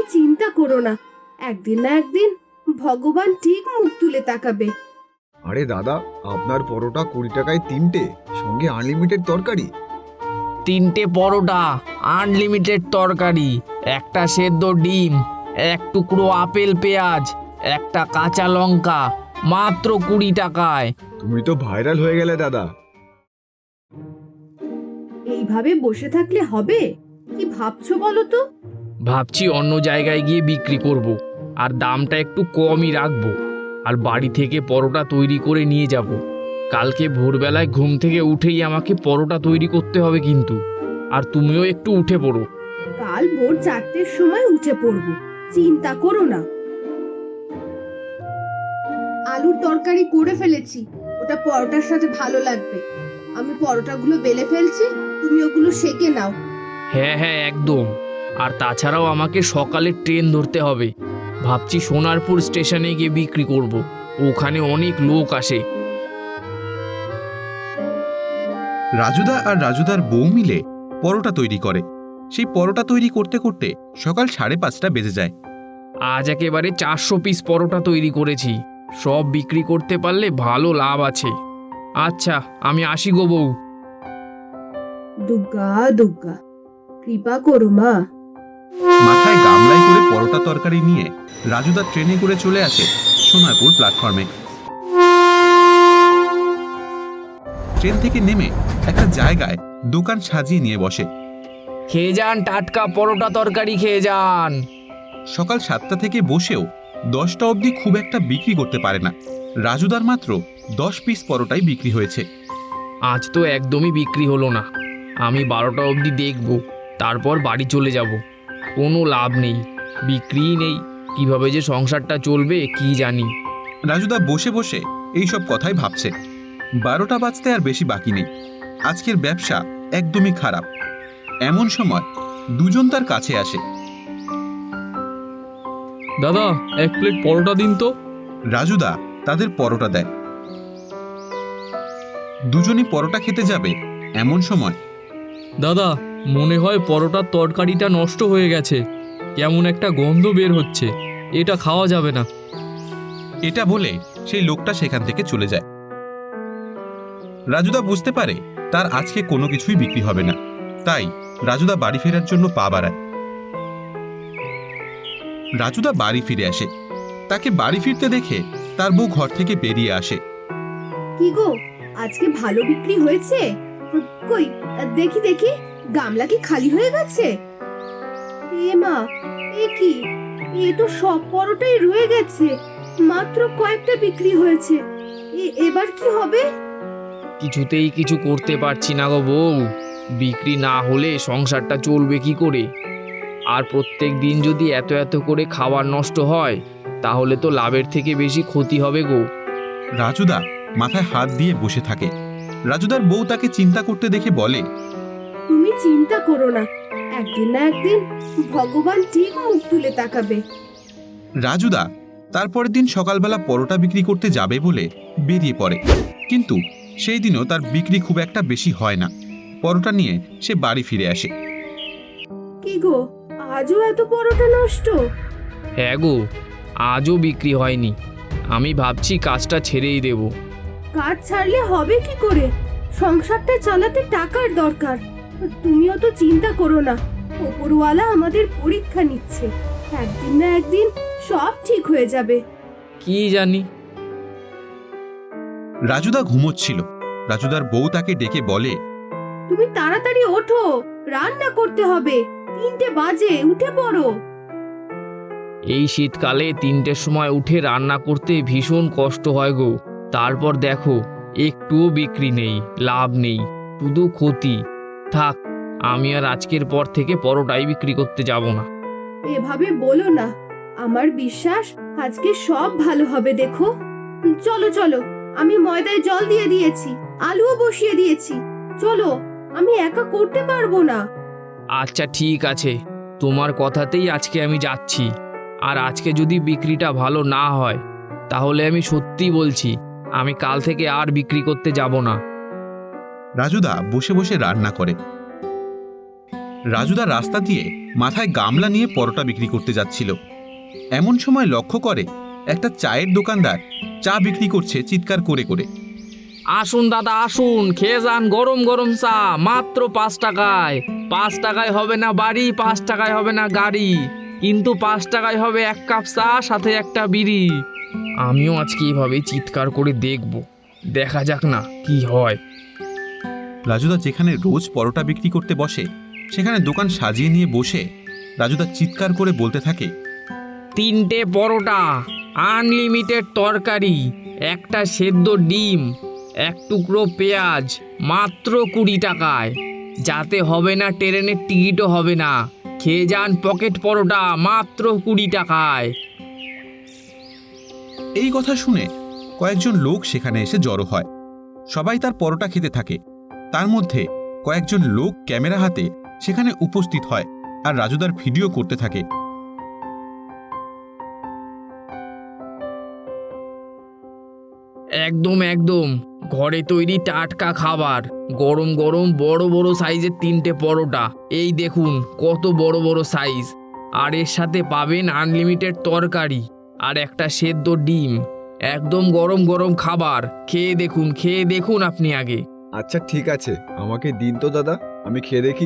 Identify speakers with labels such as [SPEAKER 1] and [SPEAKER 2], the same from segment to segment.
[SPEAKER 1] চিন্তা করো না, একদিন না একদিন ভগবান ঠিক মুখ তুলে তাকাবে।
[SPEAKER 2] আরে দাদা, আপনার পরোটা 20 টাকায় 3টে, সঙ্গে আনলিমিটেড তরকারি।
[SPEAKER 3] 3টে পরোটা, আনলিমিটেড তরকারি, একটা সেদ্ধ ডিম, এক টুকরো আপেল পেঁয়াজ, একটা কাঁচা লঙ্কা, মাত্র 20 টাকায়।
[SPEAKER 2] তুমি তো ভাইরাল হয়ে গেলে দাদা।
[SPEAKER 1] এইভাবে বসে থাকলে হবে? কি ভাবছো বলো তো?
[SPEAKER 3] ভাবছি অন্য জায়গায় গিয়ে বিক্রি করব, আর দামটা একটু কমই রাখবো, আর বাড়ি থেকে পরোটা তৈরি করে নিয়ে যাব। কালকে ভোরবেলায় ঘুম থেকে উঠেই আমাকে পরোটা তৈরি করতে হবে কিন্তু, আর তুমিও একটু উঠে পড়ো।
[SPEAKER 1] কাল ভোর 4টের সময় উঠে পড়বো, চিন্তা করো না। আলুর তরকারি করে ফেলেছি, ওটা পরোটার সাথে ভালো লাগবে। আমি পরোটাগুলো বেলে ফেলছি, তুমি ওগুলো সেকে নাও।
[SPEAKER 3] হ্যাঁ হ্যাঁ একদম। আর তাছাড়াও আমাকে সকালে ট্রেন ধরতে হবে। ভাবছি সোনারপুর স্টেশনে গিয়ে বিক্রি করব, ওখানে অনেক লোক আসে।
[SPEAKER 4] রাজুদা আর রাজুদার বউ মিলে পরোটা তৈরি করে। সেই পরোটা তৈরি করতে করতে সকাল 5:30 বেজে যায়।
[SPEAKER 3] আজ একেবারে 400 পিস পরোটা তৈরি করেছি। সব বিক্রি করতে পারলে ভালো লাভ আছে। আচ্ছা, আমি আসি গো বউ।
[SPEAKER 1] দুর্গা দুর্গা, কৃপা করো মা।
[SPEAKER 4] মাথায় গামলায় করে পরোটা তরকারি নিয়ে রাজুদা ট্রেনে করে চলে আসে সোনারপুর প্ল্যাটফর্মে। ট্রেন থেকে নেমে একটা জায়গায় দোকান সাজিয়ে নিয়ে বসে।
[SPEAKER 3] খেয়ে যান, টাটকা পরোটা তরকারি খেয়ে যান।
[SPEAKER 4] সকাল 7টা থেকে বসেও 10টা অবধি খুব একটা বিক্রি করতে পারে না। রাজুদার মাত্র 10 পিস পরোটাই বিক্রি হয়েছে।
[SPEAKER 3] আজ তো একদমই বিক্রি হলো না। আমি 12টা অবধি দেখব, তারপর বাড়ি চলে যাব। কোনো লাভ নেই, বিক্রিই নেই। কিভাবে যে সংসারটা চলবে কি জানি।
[SPEAKER 4] রাজুদা বসে বসে এইসব কথাই ভাবছে। 12টা বাজতে আর বেশি বাকি নেই। আজকের ব্যবসা একদমই খারাপ। এমন সময় দুজন তার কাছে আসে।
[SPEAKER 5] দাদা, 1 প্লেট পরোটা দিন তো।
[SPEAKER 4] রাজুদা তাদের পরোটা দেয়। দুজনই পরোটা খেতে যাবে এমন সময়
[SPEAKER 5] দাদা, মনে হয় পরোটার তরকারিটা নষ্ট হয়ে গেছে, কেমন একটা গন্ধ বের হচ্ছে, এটা খাওয়া যাবে না।
[SPEAKER 4] এটা বলে সেই লোকটা সেখান থেকে চলে যায়। রাজুদা বুঝতে পারে তার আজকে কোনো কিছুই বিক্রি হবে না, তাই রাজুদা বাড়ি ফেরার জন্য পা বাড়ায়। রাজুদা বাড়ি ফিরে আসে। তাকে বাড়ি ফিরতে দেখে তার বউ ঘর থেকে বেরিয়ে আসে।
[SPEAKER 1] কি গো, আজকে ভালো বিক্রি হয়েছে? কই দেখি দেখি, গামলা কি খালি হয়ে গেছে? এ মা, এ কি, এ তো সব পরোটাই রয়ে গেছে, মাত্র কয়েকটা বিক্রি হয়েছে। এবার কি হবে?
[SPEAKER 3] কিছুতেই কিছু করতে পারছি না গো বউ। বিক্রি না হলে সংসারটা চলবে কি করে? আর প্রত্যেক দিন যদি এত এত করে খাবার নষ্ট হয়, তাহলে তো লাভের থেকে বেশি ক্ষতি হবে গো।
[SPEAKER 4] রাজুদা মাথায় হাত দিয়ে বসে থাকে। রাজুদার বউ তাকে চিন্তা করতে দেখে বলে,
[SPEAKER 1] তুমি চিন্তা করো না, একদিন না একদিন ভগবান ঠিক মুখ তুলে তাকাবে।
[SPEAKER 4] রাজুদা তারপরের দিন সকালবেলা পরোটা বিক্রি করতে যাবে বলে বেরিয়ে পড়ে। কিন্তু সেই দিনও তার বিক্রি খুব একটা বেশি হয় না। পরোটা নিয়ে সে বাড়ি ফিরে আসে।
[SPEAKER 1] কি গো, আজও এত পরোটা নষ্ট?
[SPEAKER 3] হ্যাঁ গো, আজও বিক্রি হয়নি। আমি ভাবছি কাজটা ছেড়েই দেব।
[SPEAKER 1] কাজ ছাড়লে হবে কি করে? সংসারটা চালাতে টাকার দরকার। তুমিও তো চিন্তা করো না, ওপরওয়ালা আমাদের পরীক্ষা নিচ্ছে, একদিন না একদিন সব ঠিক হয়ে যাবে।
[SPEAKER 3] কি জানি।
[SPEAKER 4] রাজুদা ঘুমোচ্ছিল। রাজুদার বউ তাকে ডেকে বলে,
[SPEAKER 1] তুমি তাড়াতাড়ি ওঠো, রান্না করতে হবে, 3টে বাজে, উঠে পড়ো।
[SPEAKER 3] এই শীতকালে 3টের সময় উঠে রান্না করতে ভীষণ কষ্ট হয় গো। তারপর দেখো, একটুও বিক্রি নেই, লাভ নেই, শুধু ক্ষতি। থাক, আমি আর আজকের পর থেকে পরোটাই বিক্রি করতে যাব না।
[SPEAKER 1] এভাবে বলো না, আমার বিশ্বাস আজকে সব ভালো হবে। দেখো, চলো চলো, আমি ময়দায় জল দিয়ে দিয়েছি, আলুও বসিয়ে দিয়েছি। চলো, আমি একা করতে পারবো না।
[SPEAKER 3] আচ্ছা ঠিক আছে, তোমার কথাতেই আজকে আমি যাচ্ছি। আর আজকে যদি বিক্রিটা ভালো না হয়, তাহলে আমি সত্যি বলছি, আমি কাল থেকে আর বিক্রি করতে যাব না।
[SPEAKER 4] রাজুদা বসে বসে রান্না করে। রাজুদা রাস্তা দিয়ে মাথায় গামলা নিয়ে পরোটা বিক্রি করতে যাচ্ছিল। এমন সময় লক্ষ্য করে একটা চায়ের দোকানদার চা বিক্রি করছে চিৎকার করে করে।
[SPEAKER 3] আসুন দাদা আসুন, খেয়ে যান গরম গরম চা, মাত্র 5 টাকায়। 5 টাকায় হবে না বাড়ি, 5 টাকায় হবে না গাড়ি, কিন্তু 5 টাকায় হবে 1 কাপ চা সাথে একটা বিড়ি। আমিও আজকে এইভাবে চিৎকার করে দেখব, দেখা যাক না কি হয়।
[SPEAKER 4] রাজুদা যেখানে রোজ পরোটা বিক্রি করতে বসে সেখানে দোকান সাজিয়ে নিয়ে বসে রাজুদা চিৎকার করে বলতে থাকে,
[SPEAKER 3] 3টে পরোটা, আনলিমিটেড তরকারি, একটা সেদ্ধ ডিম, 1 টুকরো পেঁয়াজ, মাত্র 20 টাকায়। যাতে হবে না ট্রেনের টিকিটও হবে না, খেয়ে যান পকেট পরোটা, মাত্র 20 টাকায়।
[SPEAKER 4] এই কথা শুনে কয়েকজন লোক সেখানে এসে জড়ো হয়। সবাই তার পরোটা খেতে থাকে। তার মধ্যে কয়েকজন লোক ক্যামেরা হাতে সেখানে উপস্থিত হয় আর রাজুদার ভিডিও করতে থাকে।
[SPEAKER 3] একদম একদম ঘরে তৈরি টাটকা খাবার, গরম গরম বড় বড় সাইজের 3টে পরোটা, এই দেখুন কত বড় বড় সাইজ। আর এর সাথে পাবেন আনলিমিটেড তরকারি আর একটা সেদ্ধ ডিম। একদম গরম গরম খাবার, খেয়ে দেখুন আপনি আগে।
[SPEAKER 2] আচ্ছা ঠিক আছে, আমাকে দিন তো দাদা, আমি খেয়ে দেখি।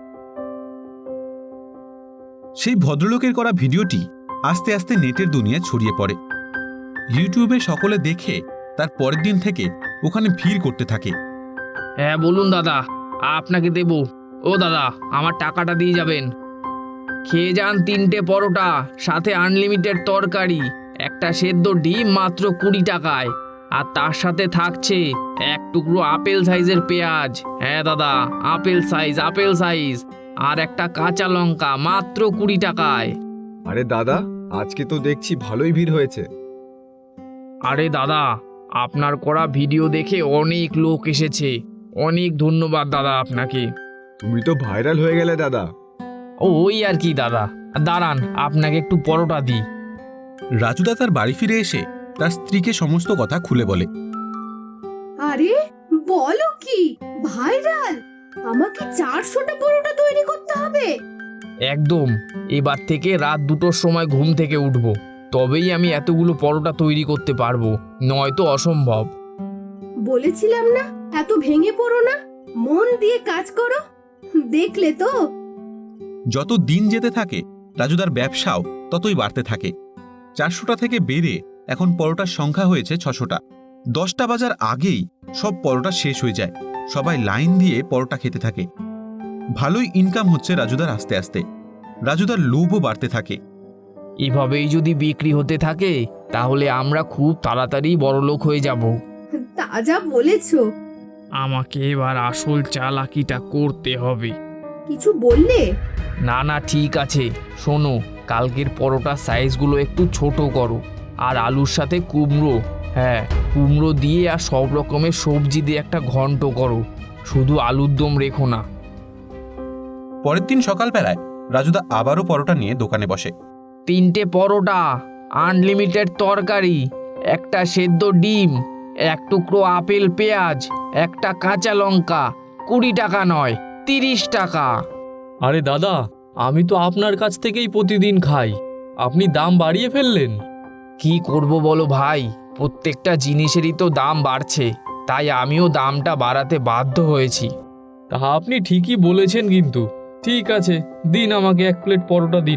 [SPEAKER 4] সেই ভদ্রলোকের করা ভিডিওটি আস্তে আস্তে নেটের দুনিয়ায় ছড়িয়ে পড়ে। ইউটিউবে সকলে দেখে তার পরের দিন থেকে ওখানে ভিড় করতে থাকে।
[SPEAKER 3] হ্যাঁ বলুন দাদা, আপনাকে দেব। ও দাদা, আমার টাকাটা দিয়ে যাবেন। খেয়ে যান 3টে পরোটা সাথে আনলিমিটেড তরকারি, একটা সেদ্ধ ডিম, মাত্র 20 টাকায়। আর তার সাথে থাকছে 1 টুকরো আপেল সাইজের পেঁয়াজ। হ্যাঁ দাদা, আপেল সাইজ। আর একটা কাঁচা লঙ্কা, মাত্র 20 টাকায়।
[SPEAKER 2] আরে দাদা, আজকে তো দেখছি ভালোই ভিড় হয়েছে।
[SPEAKER 3] আরে দাদা, আপনার করা ভিডিও দেখে অনেক লোক এসেছে, অনেক ধন্যবাদ দাদা আপনাকে।
[SPEAKER 2] তুমি তো ভাইরাল হয়ে গেলে দাদা।
[SPEAKER 3] ওই আর কি দাদা, দাঁড়ান আপনাকে একটু পরোটা দিই।
[SPEAKER 4] রাজুদা তার বাড়ি ফিরে এসে তার স্ত্রীকে সমস্ত কথা খুলে বলে।
[SPEAKER 1] আরে বলো কি, ভাইরাল? আমাকে 400টা পরোটা তৈরি করতে হবে?
[SPEAKER 3] একদম, এবার থেকে রাত 2টোর সময় ঘুম থেকে উঠব, তবেই আমি এতগুলো পরোটা তৈরি করতে পারবো, নয়তো অসম্ভব।
[SPEAKER 1] বলেছিলাম না এত ভেঙে পড়ো না, মন দিয়ে কাজ করো। দেখলে তো।
[SPEAKER 4] যত দিন যেতে থাকে রাজুদার ব্যবসাও ততই বাড়তে থাকে। 400টা থেকে বেড়ে এখন পরোটার সংখ্যা হয়েছে 600টা। 10টা বাজার আগেই সব পরোটা শেষ হয়ে যায়। সবাই লাইন দিয়ে পরোটা খেতে থাকে। ভালোই ইনকাম হচ্ছে রাজুদার আস্তে আস্তে। রাজুদার লোভও বাড়তে থাকে।
[SPEAKER 3] এভাবেই যদি বিক্রি হতে থাকে তাহলে আমরা খুব তাড়াতাড়ি বড়লোক হয়ে যাব।
[SPEAKER 1] তা যা বলেছো।
[SPEAKER 3] আমাকে এবার আসল চালাকিটা করতে হবে।
[SPEAKER 1] কিছু বললে?
[SPEAKER 3] না ঠিক আছে, শোনো, কালকের পরোটার সাইজগুলো একটু ছোট করো, আর আলুর সাথে কুমড়ো, হ্যাঁ কুমড়ো দিয়ে আর সব রকমের সবজি দিয়ে একটা ঘন্ট করো, শুধু আলুর দম রেখো না।
[SPEAKER 4] পরের দিন সকালবেলায় রাজুদা আবারও পরোটা নিয়ে দোকানে বসে।
[SPEAKER 3] 3টে পরোটা, আনলিমিটেড তরকারি, একটা সেদ্ধ ডিম, 1 টুকরো আপেল পেঁয়াজ, একটা কাঁচা লঙ্কা, 20 টাকা নয় 30 টাকা।
[SPEAKER 5] আরে দাদা, আমি তো আপনার কাছ থেকেই প্রতিদিন খাই, আপনি দাম বাড়িয়ে ফেললেন।
[SPEAKER 3] কি করব বলো ভাই, প্রত্যেকটা জিনিসেরই তো দাম বাড়ছে, তাই আমিও দামটা বাড়াতে বাধ্য হয়েছি।
[SPEAKER 5] তা আপনি ঠিকই বলেছেন, কিন্তু ঠিক আছে, দিন আমাকে 1 প্লেট পরোটা দিন।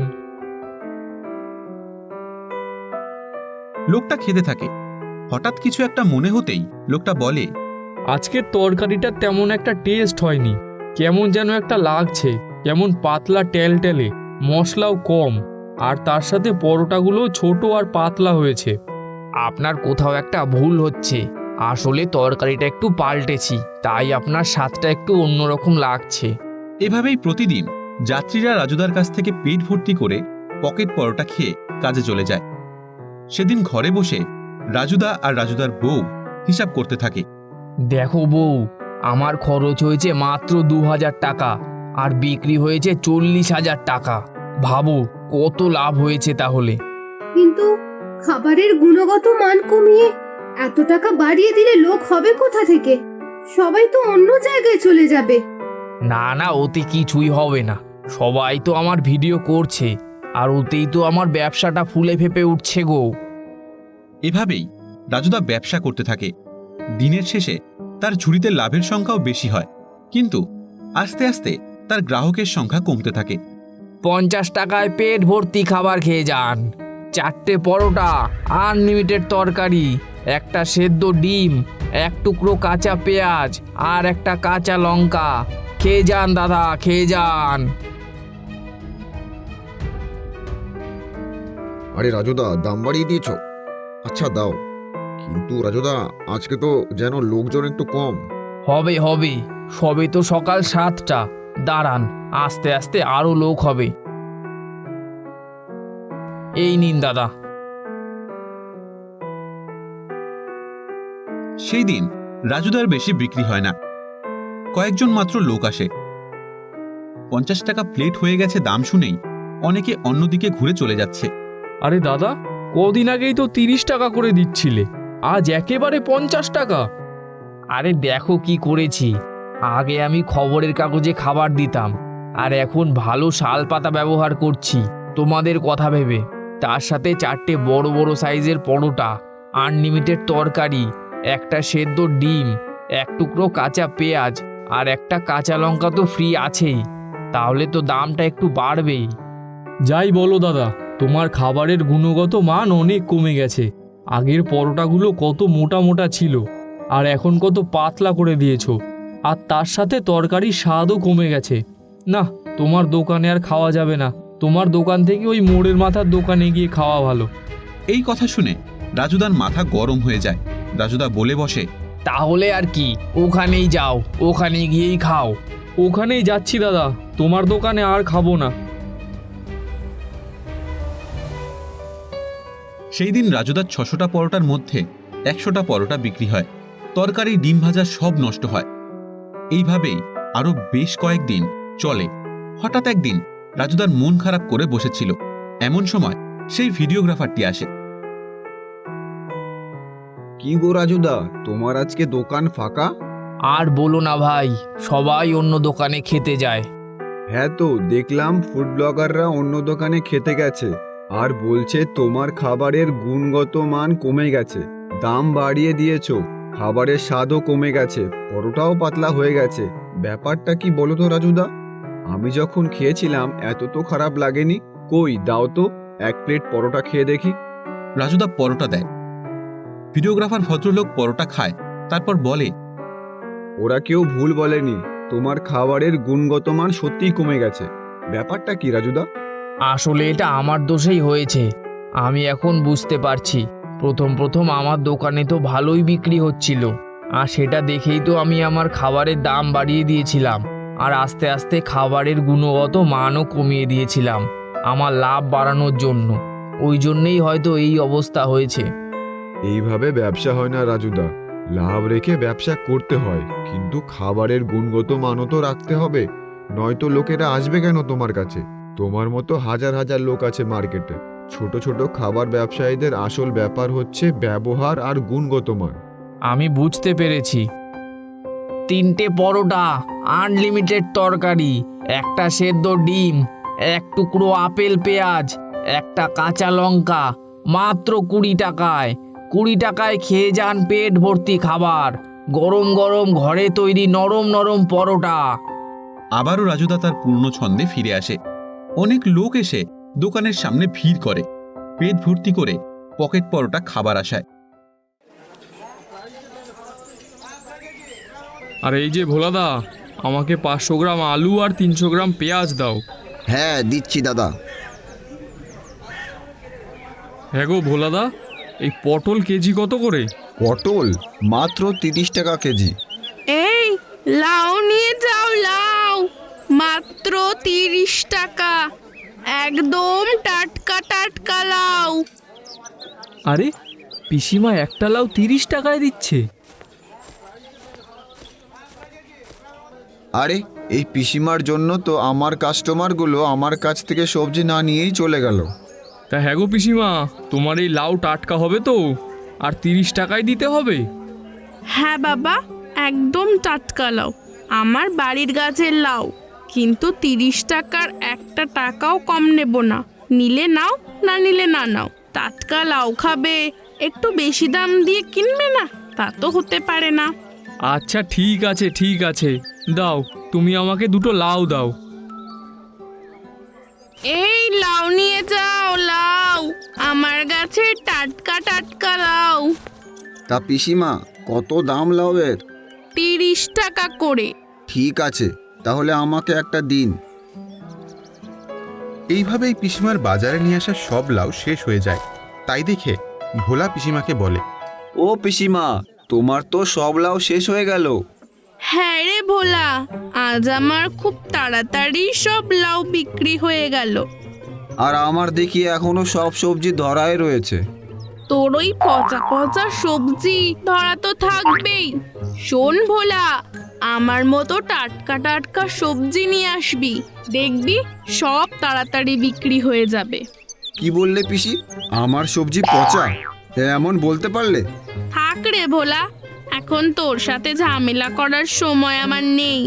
[SPEAKER 4] লোকটা খেতে থাকে। হঠাৎ কিছু একটা মনে হতেই লোকটা বলে,
[SPEAKER 5] আজকের তরকারিটা তেমন একটা টেস্ট হয়নি, কেমন যেন একটা লাগছে, কেমন পাতলা টেলটেলে, মশলাও কম, আর তার সাথে পরোটাগুলো ছোট আর পাতলা হয়েছে।
[SPEAKER 3] আপনার কোথাও একটা ভুল হচ্ছে, আসলে তরকারিটা একটু পাল্টেছি, তাই আপনার স্বাদটা একটু অন্যরকম লাগছে।
[SPEAKER 4] এভাবেই প্রতিদিন যাত্রীরা রাজুদার কাছ থেকে পেট ভর্তি করে পকেট পরোটা খেয়ে কাজে চলে যায়। সেদিন ঘরে বসে রাজুদা আর রাজুদার বউ হিসাব করতে থাকে।
[SPEAKER 3] দেখো বউ, আমার খরচ হয়েছে মাত্র 2000 টাকা আর বিক্রি হয়েছে 40,000 টাকা। ভাবো কত লাভ হয়েছে তাহলে।
[SPEAKER 1] কিন্তু খাবারের গুণগত মান কমিয়ে এত টাকা বাড়িয়ে দিলে লোক হবে কোথা থেকে? সবাই তো অন্য জায়গায় চলে যাবে।
[SPEAKER 3] না না, ওতে কিছুই হবে না। সবাই তো আমার ভিডিও করছে, আর ওতেই তো আমার ব্যবসাটা ফুলে ফেপে উঠছে গো।
[SPEAKER 4] এভাবেই রাজুদা ব্যবসা করতে থাকে। দিনের শেষে তার ঝুড়িতে লাভের সংখ্যাও বেশি হয়, কিন্তু আস্তে আস্তে তার গ্রাহকের সংখ্যা কমতে থাকে।
[SPEAKER 3] 50 টাকায় পেট ভর্তি খাবার খেয়ে যান। 4টে পরোটা, আনলিমিটেড তরকারি, একটা সেদ্ধ ডিম, এক টুকরো কাঁচা পেঁয়াজ আর একটা কাঁচা লঙ্কা। খেয়ে যান দাদা, খেয়ে যান।
[SPEAKER 2] আরে রাজুদা, দাম বাড়িয়ে দিয়েছ? আচ্ছা দাও, কিন্তু রাজুদা আজকে তো যেন লোকজন একটু কম।
[SPEAKER 3] হবে হবে, সবে তো সকাল 7টা। দাঁড়ান, আস্তে আস্তে আরো লোক হবে। এই নিন দাদা।
[SPEAKER 4] সেই দিন রাজুদার বেশি বিক্রি হয় না, কয়েকজন মাত্র লোক আসে। 50 টাকা প্লেট হয়ে গেছে দাম শুনেই অনেকে অন্যদিকে ঘুরে চলে যাচ্ছে।
[SPEAKER 5] আরে দাদা, কদিন আগেই তো 30 টাকা করে দিচ্ছিলে, আজ একেবারে 50 টাকা।
[SPEAKER 3] আরে দেখো কি করেছি। আগে আমি খবরের কাগজে খাবার দিতাম, আর এখন ভালো শাল পাতা ব্যবহার করছি তোমাদের কথা ভেবে। তার সাথে 4টে বড় বড় সাইজের পরোটা, আনলিমিটেড তরকারি, একটা সেদ্ধ ডিম, এক টুকরো কাঁচা পেঁয়াজ আর একটা কাঁচা লঙ্কা তো ফ্রি আছেই। তাহলে তো দামটা একটু বাড়বেই।
[SPEAKER 5] যাই বলো দাদা, তোমার খাবারের গুণগত মান অনেক কমে গেছে। আগের পরোটাগুলো কত মোটা মোটা ছিল, আর এখন কত পাতলা করে দিয়েছো। আর তার সাথে তরকারির স্বাদও কমে গেছে। না, তোমার দোকানে আর খাওয়া যাবে না। তোমার দোকান থেকে ওই মোড়ের মাথার দোকানে গিয়ে খাওয়া ভালো।
[SPEAKER 4] এই কথা শুনে রাজুদার মাথা গরম হয়ে যায়। রাজুদা বলে বসে,
[SPEAKER 3] তাহলে আর কি, ওখানেই যাও, ওখানে গিয়েই খাও।
[SPEAKER 5] ওখানেই যাচ্ছি দাদা, তোমার দোকানে আর খাবো না।
[SPEAKER 4] সেই দিন রাজুদার 600টা পরোটার মধ্যে 100টা পরোটা বিক্রি হয়। তরকারি, ডিম ভাজা সব নষ্ট হয়। এইভাবেই আরো বেশ কয়েকদিন চলে। হঠাৎ একদিন রাজুদার মন খারাপ করে বসেছিল। এমন সময় সেই ভিডিওগ্রাফারটি আসে।
[SPEAKER 2] কি গো রাজুদা, তোমার আজকে দোকান ফাঁকা?
[SPEAKER 3] আর বলো না ভাই, সবাই অন্য দোকানে খেতে যায়।
[SPEAKER 2] হ্যাঁ তো দেখলাম ফুড ব্লগাররা অন্য দোকানে খেতে গেছে, আর বলছে তোমার খাবারের গুণগত মান কমে গেছে, দাম বাড়িয়ে দিয়েছো, খাবারের স্বাদও কমে গেছে, পরোটাও পাতলা হয়ে গেছে। ব্যাপারটা কি বলো তো রাজুদা? আমি যখন খেয়েছিলাম এত তো খারাপ লাগেনি। কই দাও তো, 1 প্লেট পরোটা খেয়ে দেখি।
[SPEAKER 4] রাজুদা পরোটা দেয়। ভিডিওগ্রাফার ভদ্রলোক পরোটা খায়, তারপর বলে,
[SPEAKER 2] ওরা কেউ ভুল বলেনি, তোমার খাবারের গুণগত মান সত্যিই কমে গেছে। ব্যাপারটা কি রাজুদা?
[SPEAKER 3] আসলে এটা আমার দোষেই হয়েছে। আমি এখন বুঝতে পারছি। প্রথম প্রথম আমার দোকানে তো ভালোই বিক্রি হচ্ছিল, আর সেটা দেখেই তো আমি আমার খাবারের দাম বাড়িয়ে দিয়েছিলাম, আর আস্তে আস্তে খাবারের গুণগত মানও কমিয়ে দিয়েছিলাম আমার লাভ বাড়ানোর জন্য। ওই জন্যেই হয়তো এই অবস্থা হয়েছে।
[SPEAKER 2] এইভাবে ব্যবসা হয় না রাজুদা। লাভ রেখে ব্যবসা করতে হয়, কিন্তু খাবারের গুণগত মানও তো রাখতে হবে, নয়তো লোকেরা আসবে কেন তোমার কাছে? তোমার মতো হাজার হাজার লোক আছে মার্কেটে। ছোট ছোট খাবার ব্যবসায়ীদের আসল ব্যাপার হচ্ছে ব্যবহার আর গুণগত মান।
[SPEAKER 3] আমি বুঝতে পেরেছি। 3টে পরোটা, আনলিমিটেড তরকারি, একটা সেদ্ধ ডিম, এক টুকরো আপেল পেঁয়াজ, একটা কাঁচা লঙ্কা, মাত্র 20 টাকায়। 20 টাকায় খেয়ে যান পেট ভর্তি খাবার, গরম গরম ঘরে তৈরি নরম নরম পরোটা।
[SPEAKER 4] আবারও রাজুদা তার পুরনো ছন্দে ফিরে আসে। অনেক লোক এসে দোকানের সামনে ভিড় করে, পেট ভর্তি করে পকেট পরোটা খাবার আশায়।
[SPEAKER 5] আর এই যে ভোলাদা, আমাকে 500 গ্রাম আলু আর 300 গ্রাম পেঁয়াজ দাও।
[SPEAKER 6] হ্যাঁ দিচ্ছি দাদা।
[SPEAKER 5] হ্যাঁ গো ভোলাদা, এই পটল কেজি কত করে?
[SPEAKER 2] পটল মাত্র 30 টাকা কেজি।
[SPEAKER 7] এই লাউ নিয়ে যাও, লাউ মাত্র 30 টাকা, একদম টাটকা টাটকা লাউ।
[SPEAKER 5] আরে পিসিমা একটা লাউ 30 টাকায় দিচ্ছে।
[SPEAKER 2] আরে এই পিসিমার জন্য তো আমার কাস্টমারগুলো আমার কাছ থেকে সবজি না নিয়েই চলে গেল।
[SPEAKER 5] তা হ্যাঁ গো পিসিমা, তোমার এই লাউ টাটকা হবে তো? আর 30 টাকায় দিতে হবে?
[SPEAKER 7] হ্যাঁ বাবা, একদম টাটকা লাউ, আমার বাড়ির গাছের লাউ, কিন্তু 30 টাকার একটা টাকাও কম নেব না। নিলে নাও, না নিলে না নাও। টাটকা লাউ খাবে, একটু বেশি দাম দিয়ে কিনবে না, তা তো হতে পারে না।
[SPEAKER 5] আচ্ছা ঠিক আছে ঠিক আছে, দাও, তুমি আমাকে দুটো লাউ দাও।
[SPEAKER 7] এই লাউ নিয়ে যাও, লাউ, আমার গাছে টাটকা টাটকা লাউ।
[SPEAKER 6] তা পিসিমা, কত দাম লাউয়ের?
[SPEAKER 7] 30 টাকা করে।
[SPEAKER 6] ঠিক আছে, তাহলে আমাকে একটা দিন।
[SPEAKER 4] এইভাবেই পিসিমার বাজারে নিয়ে আসা সব লাউ শেষ হয়ে যায়। তাই দেখে ভোলা পিসিমাকে বলে,
[SPEAKER 2] ও পিসিমা, তোমার তো সব লাউ শেষ হয়ে গেল।
[SPEAKER 7] হ্যাঁ রে ভোলা, আজ আমার খুব তাড়াতাড়ি সব লাউ বিক্রি হয়ে গেল।
[SPEAKER 2] আর আমার দেখি এখনো সব সবজি ধরাই রয়েছে।
[SPEAKER 7] তোর ওই পচা পচা সবজি ধরা তো থাকবেই। শোন ভোলা, আমার মতো টাটকা টাটকা সবজি নিয়ে আসবি, দেখবি সব তাড়াতাড়ি বিক্রি হয়ে যাবে।
[SPEAKER 2] কি বললে পিসি? আমার সবজি পচা? এমন বলতে পারলে?
[SPEAKER 7] থাক রে ভোলা, এখন তোর সাথে ঝামেলা করার সময় আমার নেই।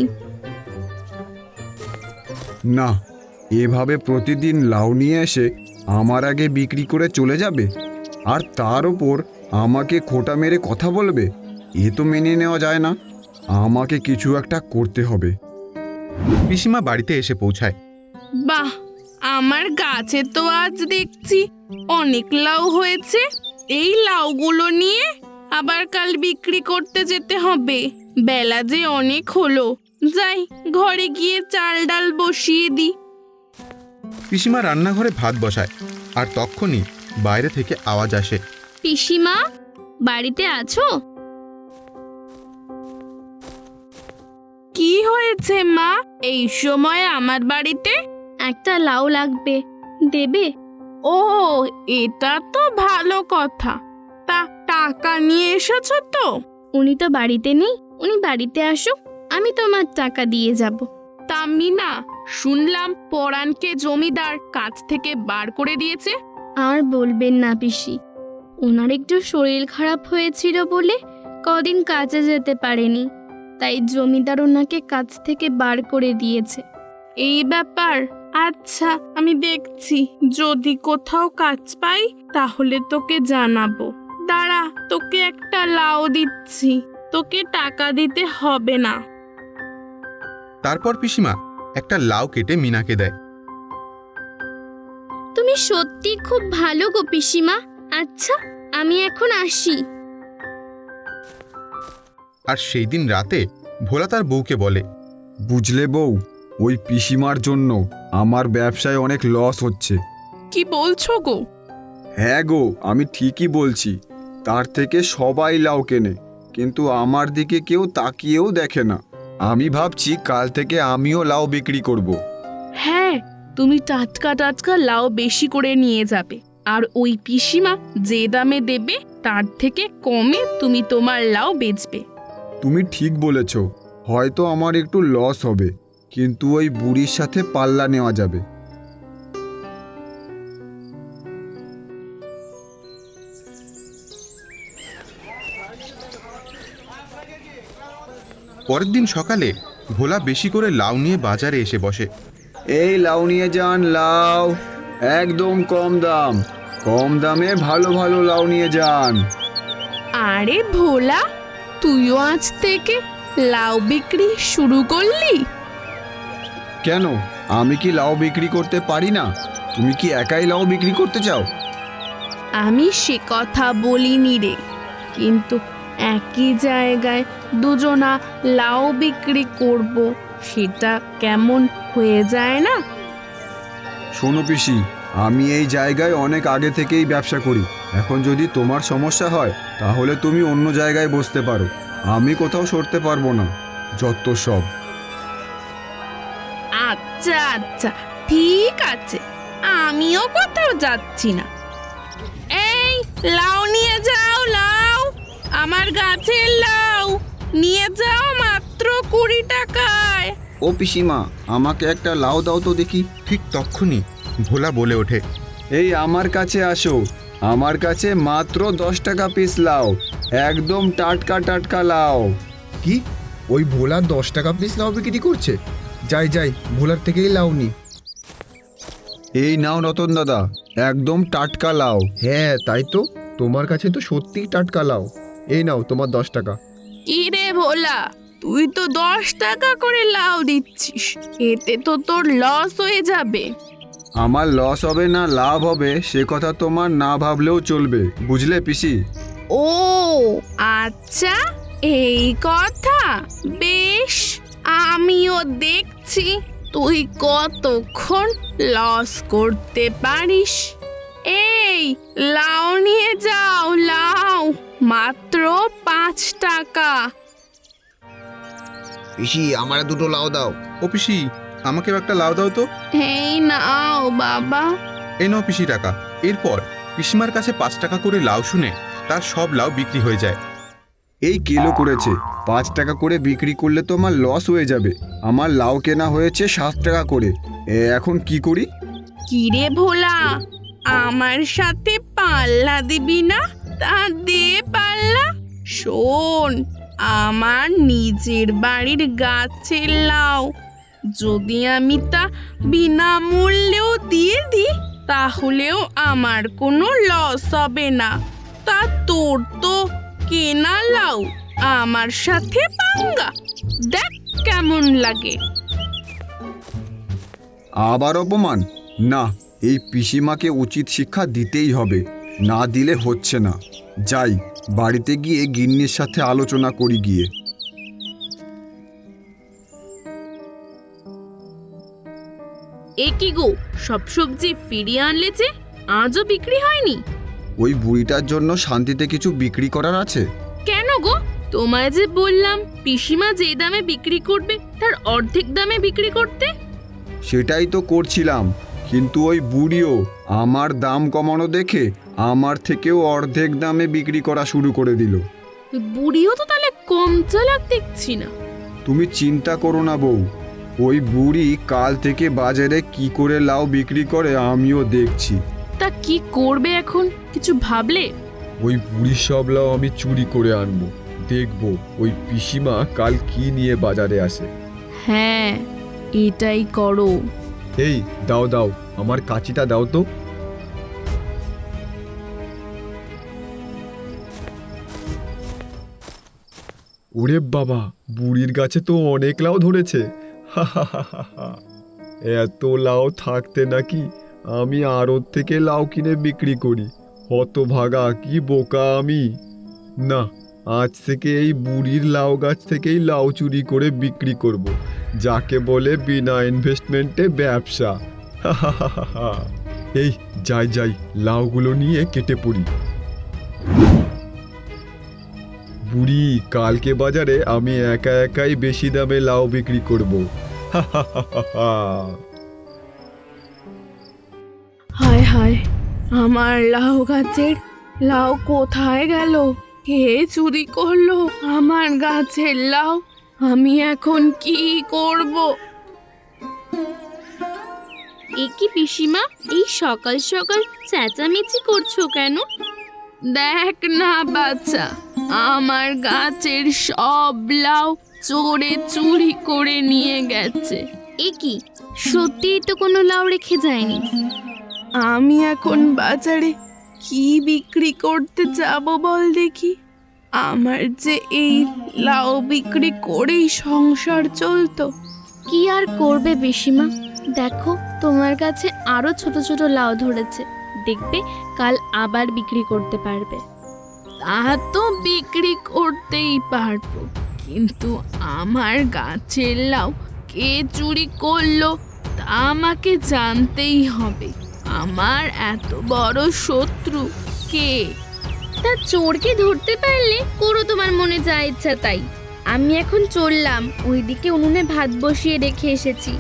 [SPEAKER 2] না, এভাবে প্রতিদিন লাউ নিয়ে এসে আমার আগে বিক্রি করে চলে যাবে, আর তার ওপর আমাকে খোঁটা মেরে কথা বলবে? এ তো মেনে নেওয়া যায় না। আমাকে কিছু একটা করতে হবে।
[SPEAKER 4] পিসিমা বাড়িতে এসে পৌঁছায়।
[SPEAKER 7] বাহ, আমার গাছে তো আজ দেখছি অনেক লাউ হয়েছে। এই লাউগুলো নিয়ে আবার কাল বিক্রি করতে যেতে হবে। বেলা যে অনেক হলো, যাই ঘরে গিয়ে চাল ডাল বসিয়ে দিই।
[SPEAKER 4] পিসিমা রান্নাঘরে ভাত বসায়, আর তক্ষুনি বাইরে থেকে আওয়াজ আসে।
[SPEAKER 8] পিসিমা, বাড়িতে আছো?
[SPEAKER 7] কি হয়েছে মা, এই সময় আমার বাড়িতে?
[SPEAKER 8] একটা লাউ লাগবে, দেবে?
[SPEAKER 7] ও, এটা তো ভালো কথা। তা টাকা নিয়ে এসেছো তো?
[SPEAKER 8] উনি তো বাড়িতে নেই, উনি বাড়িতে আসুক, আমি তোমার টাকা দিয়ে যাব।
[SPEAKER 7] তা মিনা, শুনলাম পরাণকে জমিদার কাজ থেকে বার করে দিয়েছে।
[SPEAKER 8] আর বলবেন না পিসি, ওনার একটু শরীর খারাপ হয়েছিল বলে কদিন কাজে যেতে পারেনি, তাই জমিদার ওনাকে কাজ থেকে বার করে দিয়েছে।
[SPEAKER 7] এই ব্যাপার, আচ্ছা আমি দেখছি, যদি কোথাও কাজ পাই তাহলে তোকে জানাবো। দাঁড়া, তোকে একটা লাউ দিচ্ছি, তোকে টাকা দিতে হবে না।
[SPEAKER 4] তারপর পিসিমা একটা লাউ কেটে মিনাকে দেয়।
[SPEAKER 8] তুমি সত্যি খুব ভালো গো পিসিমা। আচ্ছা, আমি এখন আসি।
[SPEAKER 4] আর সেই দিন রাতে ভোলা তার বউকে বলে,
[SPEAKER 2] বুঝলে বউ, ওই পিসিমার জন্য আমার ব্যবসায় অনেক লস হচ্ছে।
[SPEAKER 7] কি বলছো গো?
[SPEAKER 2] হ্যাঁ গো, আমি ঠিকই বলছি। তার থেকে সবাই লাউ কেনে, কিন্তু আমার দিকে কেউ তাকিয়েও দেখে না। আমি ভাবছি কাল থেকে আমিও লাউ বিক্রি করব।
[SPEAKER 7] হ্যাঁ, তুমি টাটকা টাটকা লাউ বেশি করে নিয়ে যাবে, আর ওই পিসিমা যে দামে দেবে তার থেকে কমে তুমি তোমার লাউ বেচবে।
[SPEAKER 2] তুমি ঠিক বলেছ, হয়তো আমার একটু লস হবে, কিন্তু ওই বুড়ির সাথে পাল্লা নেওয়া যাবে।
[SPEAKER 4] পরের দিন সকালে ভোলা বেশি করে লাউ নিয়ে বাজারে এসে বসে।
[SPEAKER 2] এই লাউ নিয়ে যান, লাউ একদম কম দাম, কম দামে ভালো ভালো লাউ নিয়ে যান।
[SPEAKER 7] আরে ভোলা, তুইও আজ থেকে লাউ বিক্রি শুরু করলি?
[SPEAKER 2] কেন, আমি কি লাউ বিক্রি করতে পারি না? তুমি কি একাই লাউ বিক্রি করতে চাও?
[SPEAKER 7] আমি সে কথা বলিনি রে, কিন্তু একই জায়গায় দুজনা লাউ বিক্রি করব, সেটা কেমন হয়ে যায় না?
[SPEAKER 2] শোনো পিসি, আমি এই জায়গায় অনেক আগে থেকেই ব্যবসা করি। এখন যদি তোমার সমস্যা হয় তাহলে তুমি অন্য জায়গায় বসতে পারো, আমি কোথাও সরতে পারবো না। যত সব।
[SPEAKER 7] আচ্ছা আচ্ছা, ঠিক আছে, আমিও কোথাও যাচ্ছি না। এই লাউ নিয়ে যাও, লাউ, আমার গাছের লাউ নিয়ে যাও, মাত্র 20 টাকায়।
[SPEAKER 6] ও পিসিমা, আমাকে একটা লাউ দাও তো দেখি।
[SPEAKER 4] ঠিক তক্ষুনি ভোলা বলে ওঠে,
[SPEAKER 2] এই আমার কাছে আসো, আমার কাছে মাত্র 10 টাকা পিস লাউ, একদম টাটকা টাটকা লাউ।
[SPEAKER 4] কি
[SPEAKER 2] ওই ভোলা 10 টাকা পিস লাউ বিক্রি করছে। যাই যাই, ভোলার থেকেই লাউ নি। এই নাও রতন দাদা, একদম টাটকা লাউ। হ্যাঁ তাই তো, তোমার কাছে তো সত্যিই টাটকা লাউ। এই নাও তোমার 10 টাকা।
[SPEAKER 7] কি রে ভোলা, তুই তো 10 টাকা করে লাউ দিচ্ছিস, এতে তো তোর লস হয়ে যাবে।
[SPEAKER 2] আমার লস হবে না লাভ হবে সে কথা তোমার না ভাবলেও চলবে, বুঝলে পিসি?
[SPEAKER 7] ও আচ্ছা, এই কথা। বেশ, আমিও দেখছি তুই কতক্ষণ লস করতে পারিস। এই লাউ নিয়ে যাও, লাউ মাত্র 5 টাকা।
[SPEAKER 6] পিসি আমার দুটো লাউ দাও।
[SPEAKER 4] ও পিসি, আমাকেও একটা লাউ দাও তো।
[SPEAKER 7] এই নাও বাবা।
[SPEAKER 4] এই নাও পিসি টাকা। এরপর পিসিমার কাছে 5 টাকা করে লাউ শুনে তার সব লাউ বিক্রি হয়ে যায়।
[SPEAKER 2] এই কিলো করেছে, 5 টাকা করে বিক্রি করলে তো আমার লস হয়ে যাবে। আমার লাউ কেনা হয়েছে 7 টাকা করে, এখন কি করি?
[SPEAKER 7] কিরে ভোলা, আমার সাথে পাল্লা দিবি না? তা দে পাল্লা। শোন, আমার নিজের বাড়ির গাছের লাউ, যদি আমি তা বিনামূল্যেও দিয়ে দিই তাহলেও আমার কোনো লস হবে না। তা তোর তো কেনা লাউ, আমার সাথে পাঙ্গা, দেখ কেমন লাগে।
[SPEAKER 2] আবার অপমান? না, এই পিসিমাকে উচিত শিক্ষা দিতেই হবে, না দিলে হচ্ছে না। যাই, বাড়িতে গিয়ে গিন্নির সাথে আলোচনা করি গিয়ে।
[SPEAKER 7] এ কি গো, সব সবজি ফিরিয়ে আনলে যে, আজও বিক্রি হয়নি?
[SPEAKER 2] ওই বুড়িটার জন্য শান্তিতে কিছু বিক্রি করার আছে।
[SPEAKER 7] কেন গো, তোমায় যে বললাম পিসিমা যে দামে বিক্রি করবে তার অর্ধেক দামে বিক্রি করতে।
[SPEAKER 2] সেটাই তো করছিলাম, কিন্তু ওই বুড়িও আমার দাম কমানো দেখে আমার থেকেও অর্ধেক দামে বিক্রি করা শুরু করে দিল।
[SPEAKER 7] বুড়িও তো তাহলে কম চালাক দেখছি না।
[SPEAKER 2] তুমি চিন্তা করো না বউ, ওই বুড়ি কাল থেকে বাজারে কি করে লাউ বিক্রি করে আমিও দেখছি।
[SPEAKER 7] তা কি করবে এখন, কিছু ভাবলে?
[SPEAKER 2] ওই বুড়ির সব লাউ আমি চুরি করে আনবো, দেখবো ওই পিসিমা কাল কি নিয়ে বাজারে আসে।
[SPEAKER 7] হ্যাঁ, এটাই করো।
[SPEAKER 2] এই দাও দাও, আমার কাঁচিটা দাও তো। ওরে বাবা, বুড়ির গাছে তো অনেক লাউ ধরেছে। এত লাউ থাকতে নাকি আমি আড়ত থেকে লাউ কিনে বিক্রি করি। হতভাগা, কি বোকা আমি! না, আজ থেকে এই বুড়ির লাউ গাছ থেকেই লাউ চুরি করে বিক্রি করব, যাকে বলে বিনা ইনভেস্টমেন্টে ব্যবসা। এই যাই যাই, লাউগুলো নিয়ে কেটে পড়ি। বুড়ি, কালকে বাজারে আমি একা একাই বেশি দামে লাউ বিক্রি করব।
[SPEAKER 7] হায় হায়, আমার লাউ গাছের লাউ কোথায় গেল? কে চুরি করলো আমার গাছের লাউ? আমি এখন কি করব?
[SPEAKER 8] এ কি পিসিমা, এই সকাল সকাল চেঁচামেচি করছো কেন?
[SPEAKER 7] দেখ না বাচ্চা, আমার গাছের সব লাউ চোরে চুরি করে নিয়ে গেছে।
[SPEAKER 8] এ কি, সত্যিই তো কোনো লাউ রেখে যায়নি।
[SPEAKER 7] আমি এখন বাজারে কি বিক্রি করতে যাব বল দেখি? আমার যে এই লাউ বিক্রি করেই সংসার চলতো।
[SPEAKER 8] কি আর করবে পিসিমা, দেখো তোমার কাছে আরো ছোট ছোট লাউ ধরেছে, দেখবে কাল আবার বিক্রি করতে পারবে।
[SPEAKER 7] তা তো বিক্রি করতেই পারবো, কিন্তু আমার গাছের লাউ কে চুরি করলো তা আমাকে জানতেই হবে। আমার এত বড় শত্রু কে?
[SPEAKER 8] তা চোরকে ধরতে পারলে করো তোমার মনে যা ইচ্ছা তাই। আমি এখন চললাম, ওইদিকে উনুনে ভাত বসিয়ে রেখে এসেছি।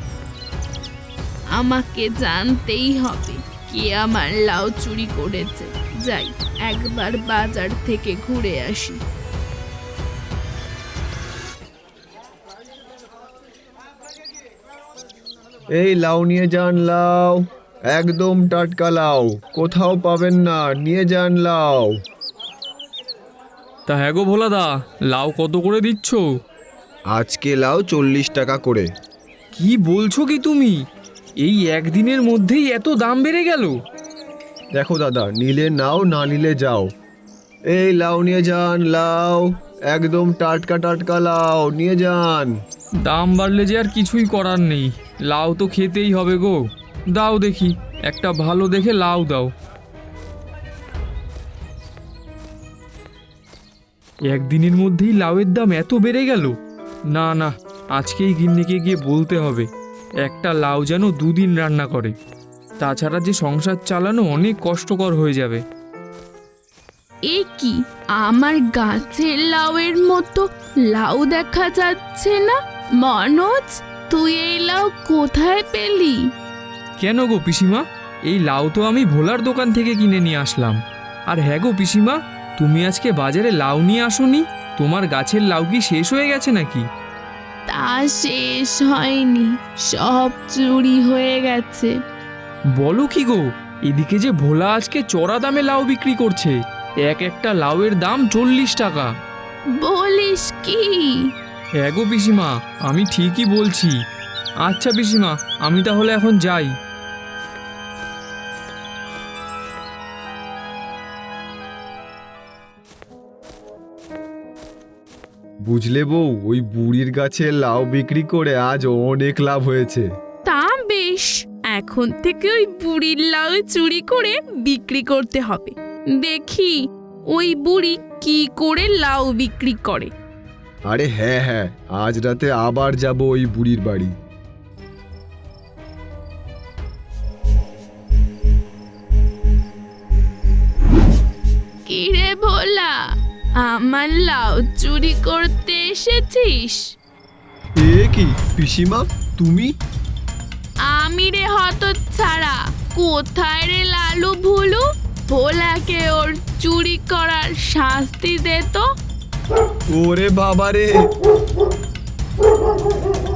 [SPEAKER 7] আমাকে জানতেই হবে কে আমার লাউ চুরি করেছে। যাই, একবার বাজার থেকে ঘুরে আসি।
[SPEAKER 2] এই লাউ নিয়ে যান, লাউ একদম টাটকা লাউ, কোথাও পাবেন না, নিয়ে যান লাউ।
[SPEAKER 5] তা হ্যাঁ গো ভোলাদা, লাউ কত করে দিচ্ছ?
[SPEAKER 2] আজকে লাউ 40 টাকা করে।
[SPEAKER 5] কি বলছো কি তুমি? এই একদিনের মধ্যেই এত দাম বেড়ে গেল?
[SPEAKER 2] দেখো দাদা, নিলে নাও, না নিলে যাও। এই লাউ নিয়ে যান, লাউ একদম টাটকা টাটকা লাউ নিয়ে যান।
[SPEAKER 5] দাম বাড়লে যে আর কিছুই করার নেই, লাউ তো খেতেই হবে গো। দাও দেখি, একটা ভালো দেখে লাউ দাও। একদিনের মধ্যেই লাউয়ের দাম এত বেড়ে গেল? না না, আজকেই গিন্নিকে গিয়ে বলতে হবে একটা লাউ যেন 2 দিন রান্না করে। তাছাড়া যে সংসার চালানো অনেক কষ্টকর হয়ে যাবে।
[SPEAKER 8] এ কি, আমার গাছের লাউয়ের মতো লাউ দেখা যাচ্ছে না? মনোজ, তুই এই লাউ কোথায় পেলি?
[SPEAKER 5] কেন গো পিসিমা, এই লাউ তো আমি ভোলার দোকান থেকে কিনে নিয়ে আসলাম। আর হ্যাঁ গো পিসিমা, তুমি আজকে বাজারে লাউ নিয়ে আসোনি? তোমার গাছের লাউ কি শেষ হয়ে গেছে নাকি?
[SPEAKER 8] তা শেষ হয়নি, সব চুরি হয়ে গেছে।
[SPEAKER 5] বলো কি গো, এদিকে যে ভোলা আজকে চড়া দামে লাউ বিক্রি করছে। একটা লাউয়ের দাম 40 টাকা।
[SPEAKER 8] বলিস কি?
[SPEAKER 5] হ্যাঁ গো পিসিমা, আমি ঠিকই বলছি। আচ্ছা পিসিমা, আমি তাহলে এখন যাই।
[SPEAKER 2] বুঝলে বউ, ওই বুড়ির গাছে লাউ বিক্রি করে আজ অনেক লাভ হয়েছে।
[SPEAKER 7] তা বেশ, এখন থেকে ওই বুড়ির লাউ চুরি করে বিক্রি করতে হবে। দেখি ওই বুড়ি কি করে লাউ বিক্রি করে।
[SPEAKER 2] আরে হ্যাঁ হ্যাঁ, আজ রাতে আবার যাব ওই বুড়ির বাড়ি।
[SPEAKER 8] কি রে ভোলা, আমার লাউ চুরি করতে এসেছিস?
[SPEAKER 2] এ কি পিসিমা, তুমি?
[SPEAKER 8] আমি রে হতচ্ছাড়া, কোথায় রে লালু ভুলু? ভোলাকে ওর চুরি করার শাস্তি দে তো।
[SPEAKER 2] ওরে বাবা রে!